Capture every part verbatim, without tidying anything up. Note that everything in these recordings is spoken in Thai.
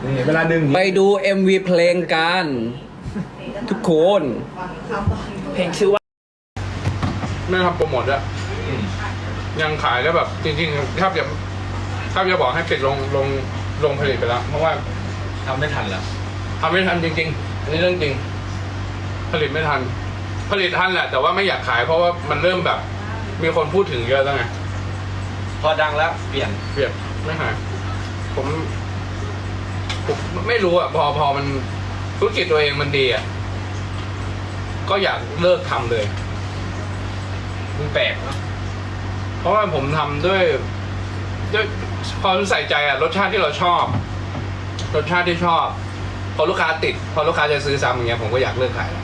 นี่เวลาดึงไปดู เอ็ม วี เพลงกันทุกคนเพลงชื่อว่าไม่ทำโปรโมทด้วยยังขายแล้วแบบจริงๆถ้าจะถ้าจะบอกให้ปิดลงลงลงผลิตไปแล้วเพราะว่าทำไม่ทันแล้วทำไม่ทันจริงๆอันนี้เรื่องจริง ผลิตไม่ทัน ผลิตทันแหละ แต่ว่าไม่อยากขายเพราะว่ามันเริ่มแบบ มีคนพูดถึงเยอะแล้วไงพอดังแล้วเปลี่ยนเปลี่ยนไม่ขายผมผมไม่รู้อ่ะพอพอมันธุรกิจตัวเองมันดีอ่ะก็อยากเลิกทำเลยมันแปลกเนาะเพราะว่าผมทำด้วยด้วยความใส่ใจอะรสชาติที่เราชอบ รสชาติที่ชอบ พอลูกค้าติด พอลูกค้าจะซื้อซ้ำอย่างเงี้ยผมก็อยากเลิกขายแล้ว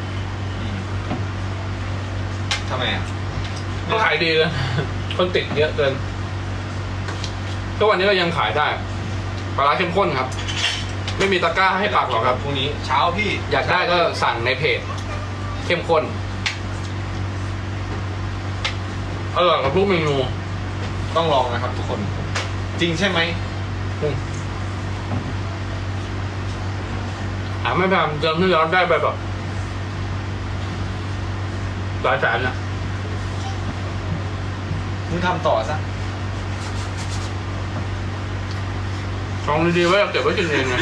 ทำไมอ่ะก็ขายดีเลยคนติดเยอะเกินทุกวันนี้ก็ยังขายได้ปลาร้าเข้มข้นครับ ไม่มีตะกร้าให้ปักหรอกครับพรุ่งนี้เช้าพี่อยากได้ก็สั่งในเพจ เข้มข้นอร่อยกับทุกเมนูต้องลองนะครับทุกคน จริงใช่ไหมหาไม่พยายามเติมที่ร้อนได้ไปแบบหลายแสนอะมึงทำต่อซะของดีๆไว้เก็บไว้กินเองไง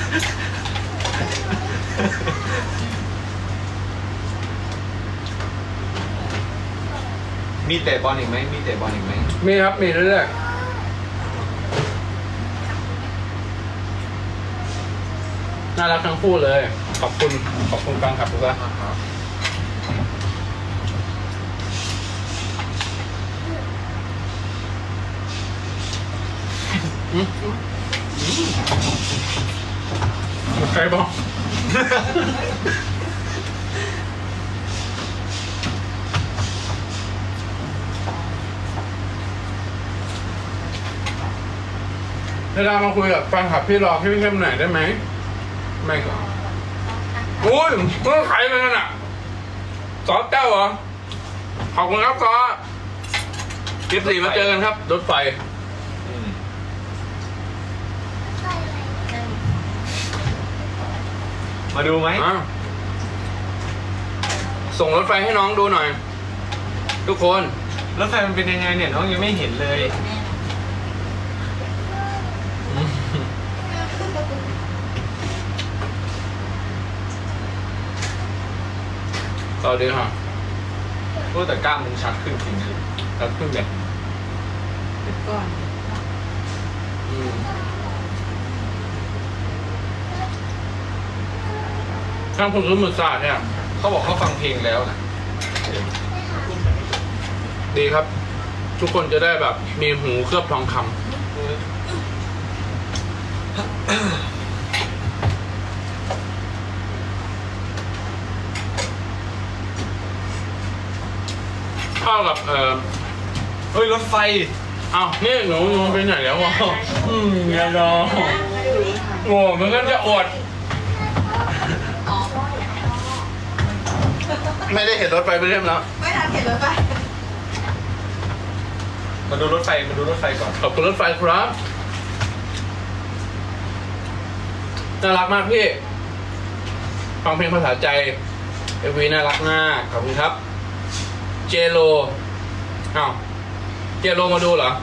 มีเตะบอลอีกไหมมีเตะบอลอีกไหมมีครับมีเรื่อยๆน่ารักทั้งคู่เลย ขอบคุณขอบคุณแฟนคลับทุกท่านอืมใครบอกเวลามาคุยกับแฟนคลับพี่รอพี่เข้มหน่อยได้ไหมไม่ก็โอ้ยเมื่อขายไปนั่นอ่ะซอสเจ้าเหรอขอบคุณครับซอสกิฟต์สี่มาเจอกันครับรถไฟอืมมาดูไหมอ่ะส่งรถไฟให้น้องดูหน่อย ทุกคนรถไฟมันเป็นยังไงเนี่ยน้องยังไม่เห็นเลยสวัสดีค่ะพูดแต่กล้ามมึงชัดขึ้นจริงครับขึ้นเด็กก่อนข้างคุณรู้มือศาสตร์เนี่ยๆเขาบอกเขาฟังเพลงแล้วนะดีครับ ทุกคนจะได้แบบมีหูเคลือบทองคำเข้ากับเอ่อเฮ้ยรถไฟอ้าวนี่หนูหนูไปไหนแล้ววะอืมเงี้ยเนาะโอ้มันก็จะอด ไม่ได้เห็นรถไฟไปเรียบแล้วไม่ทันเห็นรถไฟมาดูรถไฟมาดูรถไฟก่อนขอบคุณรถไฟครับน่ารักมากพี่ ฟังเพลงภาษาใจเอวีน่ารักมากขอบคุณครับ เจโลอ้าวเจโลมาดูเหรอ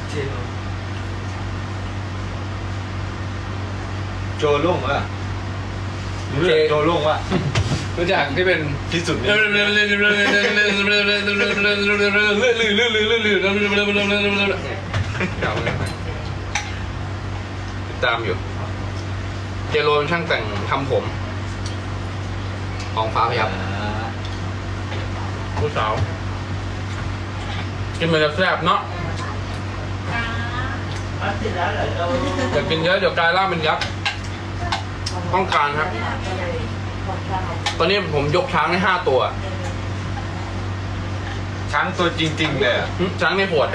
โจลุ่งวะรู้เลยโจลุ่งวะรู้จักที่เป็นที่สุดเนี่ยติดตามอยู่ เจโรเป็นช่างแต่งทำผม ของฟ้าพยับผู้สาว กินมันจะแซ่บเนาะอยากกินเยอะเดี๋ยวกลายร่างเป็นยักษ์ต้องการครับ ตอนนี้ผมยกช้างได้ห้าตัวช้างตัวจริงๆเลยอะหึช้างในปวด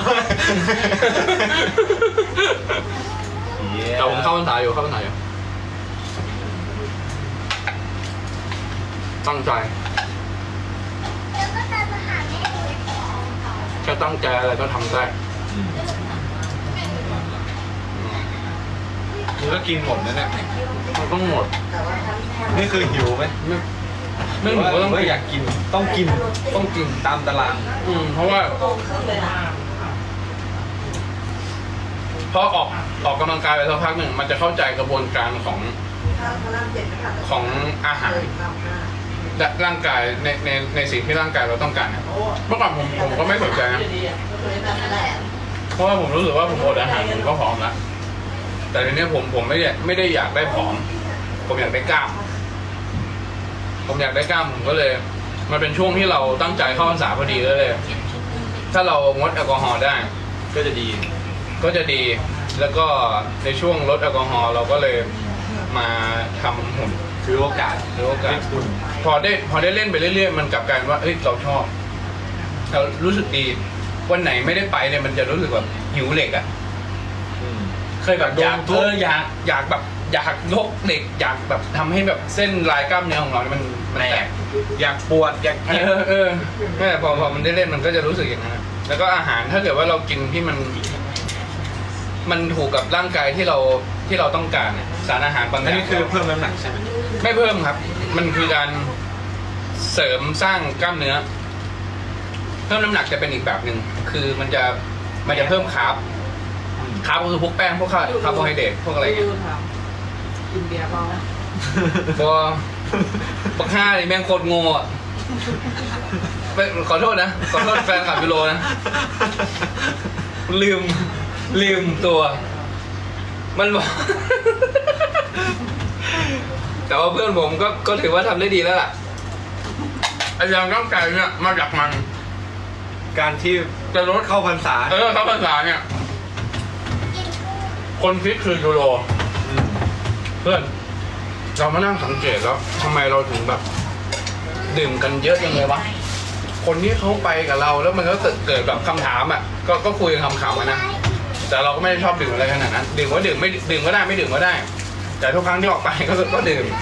แต่ผมเข้าพรรษาอยู่เข้าพรรษาอยู่ตั้งใจแค่ตั้งใจอะไรก็ทำได้อืมมึงก็กินหมดนะเนี่ยมันต้องหมดนี่คือหิวไหมไม่ไม่หนูก็ต้องว่าอยากกินต้องกินต้องกินตามตารางอืมเพราะว่าพอออกออกกำลังกายไปสักพักหนึ่งมันจะเข้าใจกระบวนการของของอาหารและร่างกายในในในสิ่งที่ร่างกายเราต้องการเนี่ยเมื่อก่อนผมผมก็ไม่สนใจนะเพราะว่าผมรู้สึกว่าผมอดอาหารผมก็ผอมแล้วแต่ทีนี้ผมผมไม่ได้ไม่ได้อยากได้ผอม ผมอยากได้กล้าม ผมอยากได้กล้ามผมก็เลย มันเป็นช่วงที่เราตั้งใจเข้าพรรษาพอดีก็เลย ถ้าเรางดแอลกอฮอล์ได้ก็จะดีก็จะดี แล้วก็ในช่วงลดแอลกอฮอล์เราก็เลยมาทำหุ่นถือโอกาสถือโอกาสให้คุณพอได้พอได้เล่นไปเรื่อยๆมันกลับกลายเป็นว่าเอ้ยเราชอบ เรารู้สึกดี วันไหนไม่ได้ไปเนี่ยมันจะรู้สึกแบบหิวเหล็กอ่ะอืมเคยแบบอยากโดนทุบเอออยากอยากแบบอยากยกเหล็กอยากแบบทำให้แบบเส้นลายกล้ามเนื้อของเราเนี่ยมันมันแตกอยากปวดอยากเอเจ็บอเออนั่นแหละพอพอมันได้เล่นมันก็จะรู้สึกอย่างนั้นอะแล้วก็อาหารถ้าเกิดว่าเรากินที่มัน มันถูกกับร่างกายที่เราที่เราต้องการเนี่ยสารอาหารบางออันย่างนี้คือเพิ่มน้ำหนักใช่ไหมไม่เพิ่มครับ มันคือการเสริมสร้างกล้ามเนื้อ เพิ่มน้ำหนักจะเป็นอีกแบบหนึ่งคือมันจะมันจะเพิ่มคาร์บอืมคาร์บก็คือพวกแป้งพวกคาร์คาร์โบไฮเดรตพวกอะไรเงี้ยกินเบียร์เปล่าพอปักห้าเลยแม่งโคตรโง่อะไปขอโทษนะขอโทษแฟนคลับยูโรนะ ลืมลืมตัว มันบอก แต่ว่าเพื่อนผมก็ก็ถือว่าทำได้ดีแล้วล่ะไอ้ยางร่างกายเนี่ยมาจากมันการที่จะลดเข้าพรรษาเออเข้าภาษาเนี่ย คนคิดคือยูโรอืมเพื่อน เรามานั่งสังเกตแล้วทำไมเราถึงแบบ ดื่มกันเยอะยังไงวะ คนที่เขาไปกับเราแล้วมันก็เกิดเกิดแบบคำถามอ่ะ ก็ก็คุยกันคำๆกันนะ แต่เราก็ไม่ได้ชอบดื่มอะไรขนาดนั้น ดื่มก็ดื่มไม่ดื่มก็ได้ไม่ดื่มก็ได้ แต่ทุกครั้งที่ออกไปก็ก็ดื่ม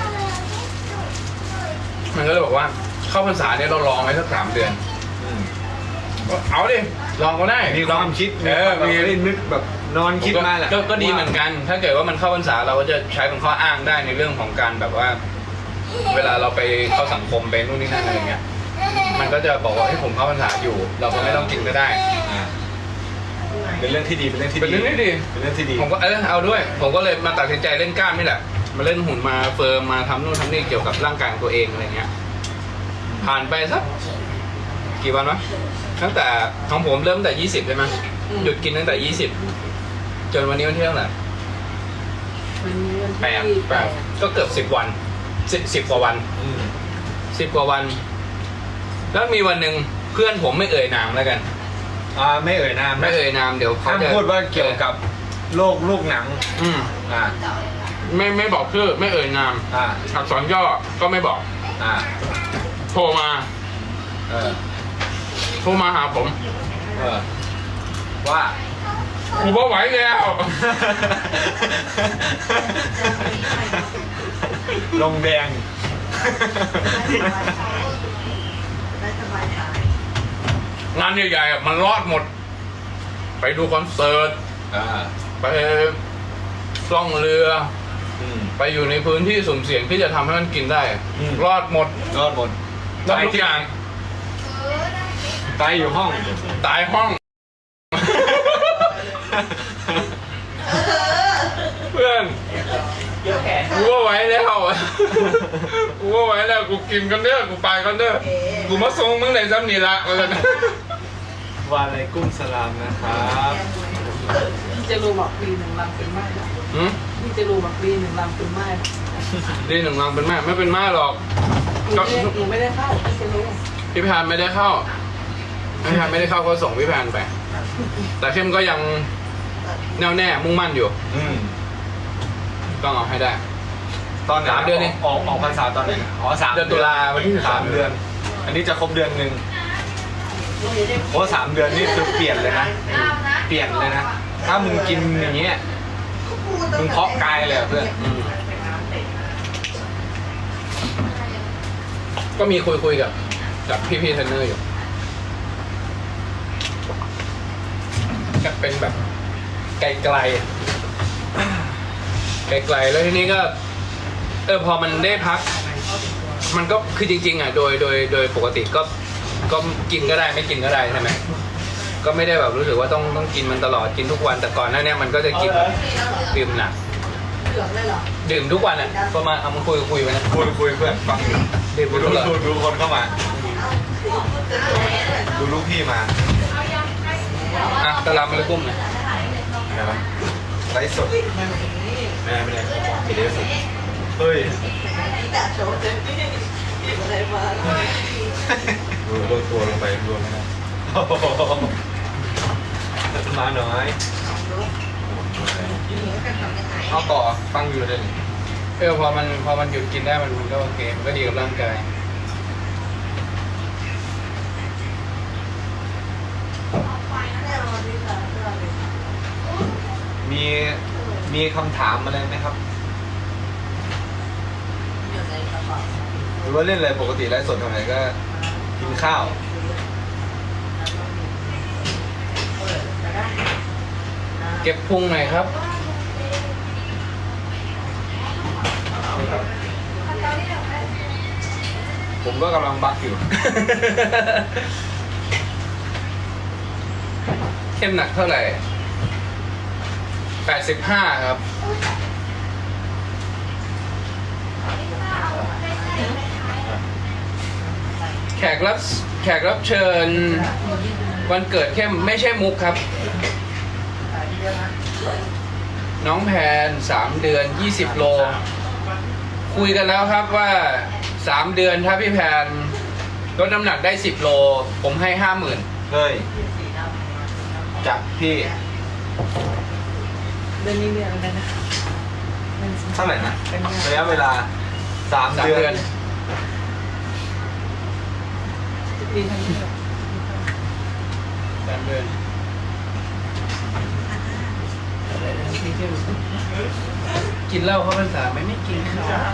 มันก็เลยบอกว่าเข้าพรรษาเนี่ยเราลองไว้สักสามเดือนอืมก็เอาดิ ลองก็ได้มีความคิดเออมีมีความแบบนึกแบบนอนคิดมาแหละก็ก็ดีเหมือนกัน ถ้าเกิดว่ามันเข้าพรรษาเราก็จะใช้เป็นข้ออ้างได้ในเรื่องของการแบบว่า เวลาเราไปเข้าสังคมไปนู่นนี่นั่นอะไรเงี้ย มันก็จะบอกว่าให้ยผมเข้าพรรษาอยู่ เราก็ไม่ต้องกินก็ได้อ่าเป็นเรื่องที่ดีเป็นเรื่องที่เป็นดีเรื่องที่ดีเป็นเรื่องที่ดีผมก็เออเอาด้วย ผมก็เลยมาตัดสินใจเล่นกล้ามนี่แหละ มาเล่นหุ่นมาเฟิร์มมาทำนู่นทำนี่เกี่ยวกับร่างกายของตัวเองอะไรเงี้ย ผ่านไปสักกี่วันวะ ตั้งแต่ของผมเริ่มตั้งแต่ยี่สิบใช่ไหมหยุดกินตั้งแต่ยี่สิบจนวันนี้วันที่เท่าไหร่วันนี้วันแปดที่แปดก็เกือบสิบวันสิบสิบกว่าวันอืมสิบกว่าวัน แล้วมีวันหนึ่งเพื่อนผมไม่เอ่ยนามแล้วกันอ่าไม่เอ่ยนามไม่นะเอ่ยนามเดี๋ยวเขาห้ามจะพูดว่าเกี่ยวกับโรคลูกหนังอืมอ่าไม่ไม่บอกชื่อไม่เอ่ยนามอ่าอักษรย่อก็ไม่บอกอ่าโทรมาเออโทรมาหาผมเออว่ากูไม่ไหวแล้วลงแดงงานใหญ่ๆอะมันรอดหมด ไปดูคอนเสิร์ตอ่าไปล่องเรืออืมไปอยู่ในพื้นที่สุ่มเสี่ยงที่จะทำให้มันกินได้อืมรอดหมดรอดหมดรอดทุกอย่างตายอยู่ห้องตายห้อง เพื่อนกูว่าไหวแล้ว กูว่าไหวแล้วกูกินกันเด้อกูไปกันเด้อกูมาส่งมึงในซ้ำนี่ละว่าซั่นวาอะไรกุ้งสลามนะครับพี่จะรู้บอกปีหนึ่งลำเป็นไม้หืมพี่จะรู้บอกปีหนึ่งลำเป็นไม้ดีหนึ่งรังเป็นแม่ไม่เป็นแม่หรอกหนูไม่ได้หนูไม่ได้เข้าพี่จะรู้พี่แพนไม่ได้เข้าพี่แพนไม่ได้เข้าก็ส่งพี่แพนไป แต่เข้มก็ยังแน่วแน่มุ่งมั่นอยู่อืมต้องเอาให้ได้ตอนไหนสามเดือนเองออกออกพรรษาตอนไหนอ๋อสามเดือนตุลาวันที่สามเดือน อันนี้จะครบเดือนหนึ่งโอ้สามเดือนนี่คือเปลี่ยนเลยนะ เปลี่ยนเลยนะ ถ้ามึงกินอย่างเงี้ย มึงเพาะกายเลยอะเพื่อนอืมก็มีคุยคุยๆกับกับพี่พี่ๆเทรนเนอร์อยู่ก็เป็นแบบไกลๆไกลๆแล้วทีนี้ก็เออพอมันได้พัก มันก็คือจริงๆอ่ะโดยโดยโดยปกติก็ก็กินก็ได้ไม่กินก็ได้ใช่ไหมก็ไม่ได้แบบรู้สึกว่าต้องต้องกินมันตลอดกินทุกวันแต่ก่อนหน้านี้มันก็จะกินดื่มหนักดื่มทุกวันอ่ะประมาณเอามาคุยคุยไปนะคุยคุยเพื่อนฟังอยู่ดื่มดูทุกดูวันดูดูคนเข้ามา ดูลูกพี่มาอ่ะตะลำมาเลยกุ้มหน่อยอะไรวะไลฟ์สดไม่ได้ไม่ได้ไม่ได้สดเฮ้ยดูโดนตัวลงไปรวมไม่ได้มาหน่อยเอาต่อฟังอยู่เลยเออพอมันพอมันหยุดกินได้มันมันก็โอเคมันก็ดีกับร่างกายมีมีคำถามอะไรไหมครับ หรือว่าเล่นอะไรปกติไลฟ์สดทำอะไรก็กินข้าวเก็บพุงหน่อยครับผมก็กำลังบักอยู่เข้มหนักเท่าไหร่แปดสิบห้าครับ แขกรับแขกรับเชิญ วันเกิดเข้มไม่ใช่มุกครับ น้องแพนสามเดือนยี่สิบโล คุยกันแล้วครับว่าสามเดือนถ้าพี่แพนลดน้ำหนักได้สิบโล ผมให้ห้าหมื่นเฮ้ยจากพี่เดือนนี้เดือนอะไรนะเท่าไหร่นะระยะเวลาสามสามเดืเดืออน นดีทั้งนี้สามเดือน กินเหล้าเข้าพรรษาไหมไม่กินครับ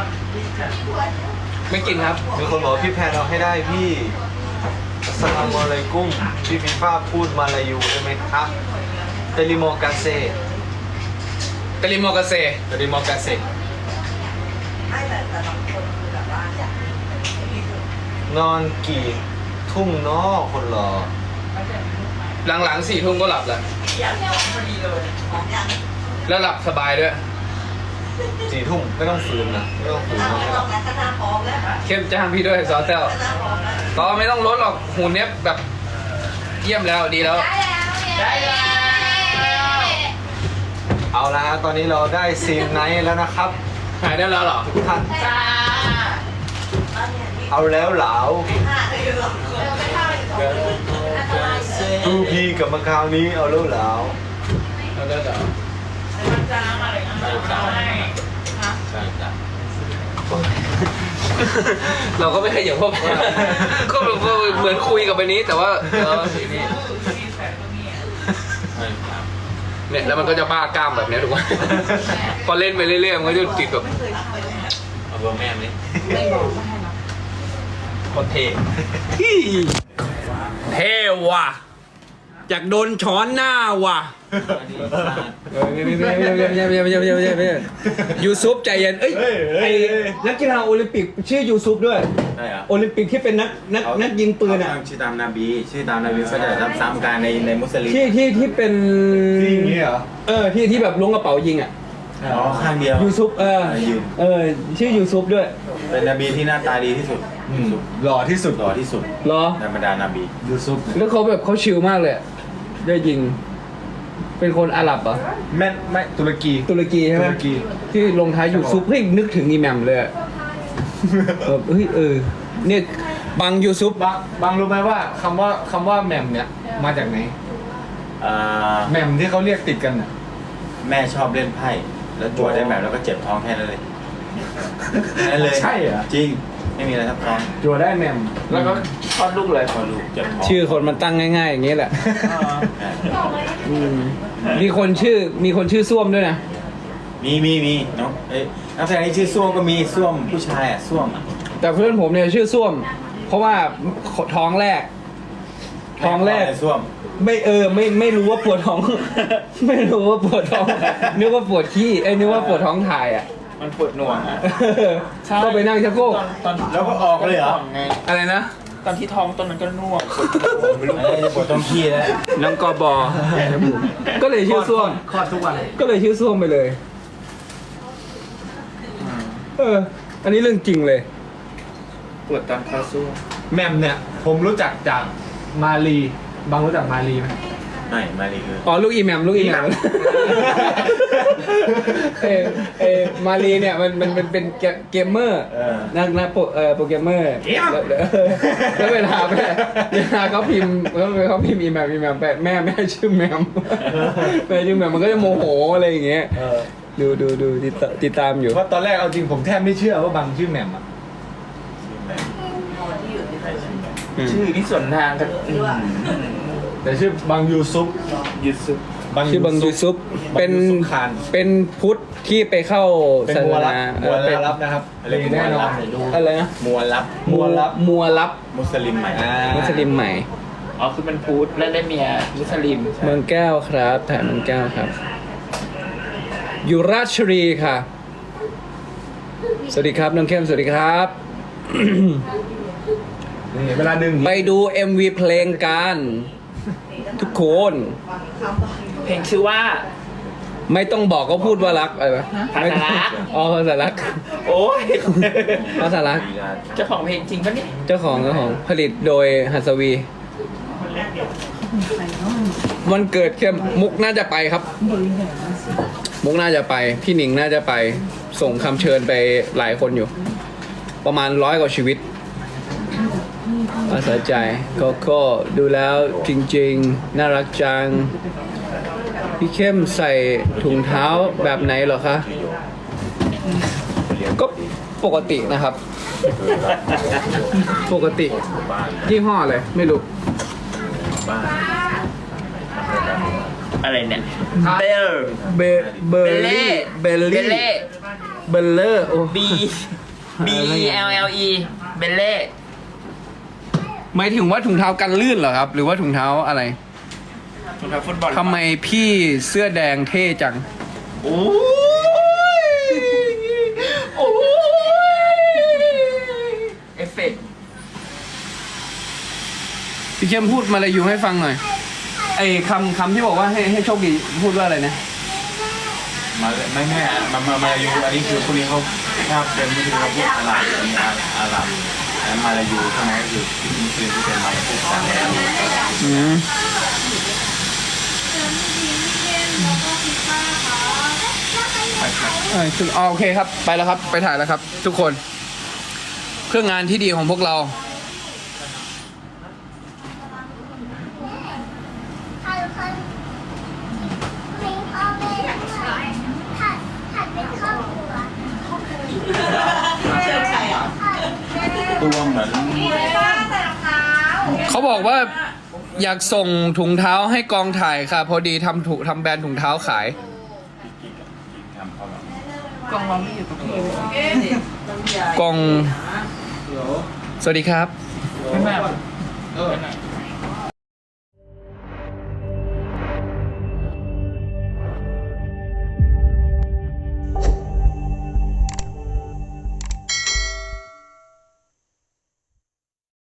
ไม่กินครับมีคนบอกว่าพี่แพนเอาให้ได้พี่สลามอะไรกุ้งพี่ฟีฟ้าพูดมาลายูได้ไหมครับเตลิโมกาเซตะลิโมกาเซเตลิโมกาเซนอนกี่ทุ่มเนาะคนรอหลังๆสี่ทุ่มก็หลับแล้วแล้วหลับสบายด้วยสี่ทุ่มไม่ต้องฝืนนะไม่ต้องฝืนนะเข้มจ้างพี่ด้วยซอสเซลก็ไม่ต้องลดหรอกหุ่นเนี้ยแบบเยี่ยมแล้วดีแล้วเอาละฮะตอนนี้เราได้ซีนไนท์แล้วนะครับหายได้แล้วเหรอทุกท่านเอาแล้วเหลาดูพี่กับมาคราวนี้เอาแล้วเหลาแล้วได้เหรอใช่จ้ะเราก็ไม่เคยอย่างพวก ก็แบบว่าเหมือนคุยกับไปนี้แต่ว่าเออนี่เนี่ยแล้วมันก็จะบ้ากล้ามแบบเนี้ยถูกไหม พอเล่นไปเรื่อยๆมันก็จะติดแบบเอาเบอร์แม่ไหมไม่บอกไม่ให้หรอกคนเทเท่ว่ะอยากโดนช้อนหน้าว่ะยูซุปใจเย็นเอ้ยไอนักกีฬาโอลิมปิกชื่อยูซุปด้วยใช่เหรอโอลิมปิกที่เป็นนักนักนักยิงปืนอ่ะชื่อตามนาบี ชื่อตามนาบีก็จะรับซ้ำกันในในมุสลิมที่ที่ที่เป็นที่อย่างนี้เหรอเออที่ที่แบบล้วงกระเป๋ายิงอ่ะอ๋อข้างเดียวยูซุปเออยืนเออชื่อยูซุปด้วยเป็นนาบีที่หน้าตาดีที่สุดอืมหล่อที่สุดหล่อที่สุดเหรอในบรรดานาบียูซุปแล้วเขาแบบเขาชิลมากเลยอะได้ยิง เป็นคนอาหรับเหรอแม่ไม่ตุรกีตุรกีใช่ไหมตุรกีที่ลงท้ายยูซุปเฮ้ยนึกถึงอีแหมมเลยอะแบบเฮ้ยเออเนี่ยบังยูซุปบางบางรู้ไหมว่าคำว่าคำว่าแหม่มเนี่ยมาจากไหนอ่าแหม่มที่เขาเรียกติดกันน่ะแม่ชอบเล่นไพ่ แล้วจั่วได้แบบแล้วก็เจ็บท้องแค่นั้นเลยแค่นั้นเลยใช่เหรอจริง ไม่มีอะไรทับท้องจัวได้แหม่มแล้วก็ทอดลูกเลยพอลูกเจ็บท้องชื่อคนมันตั้งง่ายๆอย่างนี้แหละอ่าเจ็บท้องอืมมีคนชื่อมีคนชื่อส้วมด้วยนะมีมีมีน้องเอ้ยนักแสดงที่ชื่อส้วมก็มีส้วมผู้ชายอ่ะส้วมอ่ะแต่เพื่อนผมเนี่ยชื่อส้วม เพราะว่าท้องแรก ท้องแรกส้วมไม่เออไม่ไม่รู้ว่าปวดท้อง ไม่รู้ว่าปวดท้องนึกว่าปวดขี้ไอ้ยนึกว่าปวดท้องถ่ายอ่ะมันปวดหน่วงอ่ะก็ไปนั่งชักโครกตอนแล้วก็ออกเลยเหรอไงอะไรนะตอนที่ท้องตอนนั้นก็น่วงไม่รู้ปวดตรงขี้แล้วน้องกอบอก็เลยชื่อส้วมคลอดทุกวันก็เลยชื่อส้วมไปเลย เออ อันนี้เรื่องจริงเลยปวดตอนเข้าสู้แมมเนี่ย ผมรู้จักจากมาลีบางรู้จักมาลีไหมไม่มาลีคืออ๋อลูกอีแมมลูกอีแมม เออเออมารีเนี่ยมันมันมันเป็นเกเกมเมอร์เออนักนักโปรเอ่อโปรแกรมเมอร์แล้วแล้วเวลาแม่เวลาเขาพิมพ์แล้วเขาพิมพ์อีแมมอีแมมแปะแม่แม่ชื่อแมมแม่ชื่อแมมมันก็จะโมโหอะไรอย่างเงี้ยเออดูดูดูติดตติดตามอยู่ว่าตอนแรกเอาจริงผมแทบไม่เชื่อว่าบางชื่อแหม่มอ่ะชื่อนี่ส่วนทางกันแต่ชื่อบางยูซุปยุดซุปชื่อบังยูซุปเป็นบังยูซุปคานเป็นพุทธที่ไปเข้าเป็นศาสมัวรับนามัวเป็นรับนะครับอะไรมีแน่นอนอะไรนะมัวรับมัวรับมัวรับมุสลิมใหม่อ่ามุสลิมใหม่อ๋อคือเป็นพูดแล้วได้เมียมุสลิมเมืองแก้วครับถ่ายเมืองแก้วครับ อยู่ราชบุรีค่ะ สวัสดีครับน้องเข้มสวัสดีครับนี่เวลาดึงไปดู เอ็ม วี เพลงกันทุกคนเพลงชื่อว่าไม่ต้องบอกก็พูดว่ารักอะไรวะภาษารักอ๋อภาษารักโอ้ยภาษารักเจ้าของเพลงจริงปะเนี่ยเจ้าของเจ้าของผลิตโดยหัสวี วันเกิดเข้มมุกน่าจะไปครับ มุกน่าจะไป พี่หนิงน่าจะไป ส่งคำเชิญไปหลายคนอยู่ ประมาณร้อยกว่าชีวิตอาสาใจก็ก็ดูแล้วจริงๆ น่ารักจัง พี่เข้มใส่ถุงเท้าแบบไหนเหรอคะ ก็ปกตินะครับ ปกติยี่ห้ออะไรไม่รู้บ้านอะไรเนี่ยเบลเบเบอร์ลี่เบลเบลี่เล่เบลเลอร์โอ้ B B L L E เบลเล่หมายถึงว่าถุงเท้ากันลื่นเหรอครับ หรือว่าถุงเท้าอะไรถุงเท้าฟุตบอลทำไมพี่เสื้อแดงเท่จังโอ้ยโอ้ยเอฟเฟกต์พี่เข้มพูดมาลายูให้ฟังหน่อยไอ้คำคำที่บอกว่าให้ให้โชคดีพูดว่าอะไรนะมาไม่แม่มามามาลายูอันนี้คือคนนี้เขาถ้าเป็นมุสลิมเขาพูดอาหรับอันนี้อาหรับแล้วมาลายูใช่ไหมก็คือมุสลิมที่เป็นมาลายูต่างแดนอืมเออคืออ๋อโอเคครับ ไปแล้วครับ ไปถ่ายแล้วครับ ทุกคน เครื่องงานที่ดีของพวกเราผัดผัดเพลงพ่อแม่ผัดผัดเป็นครอบครัวตัวเหมือนเขาบอกว่าอยากส่งถุงเท้าให้กองถ่ายค่ะ พอดีทำถุทำแบรนด์ถุงเท้าขายทำเขาแบบกล้องเราไม่อยู่ตรงนี้กอง สวัสดีครับไม่แม่เออ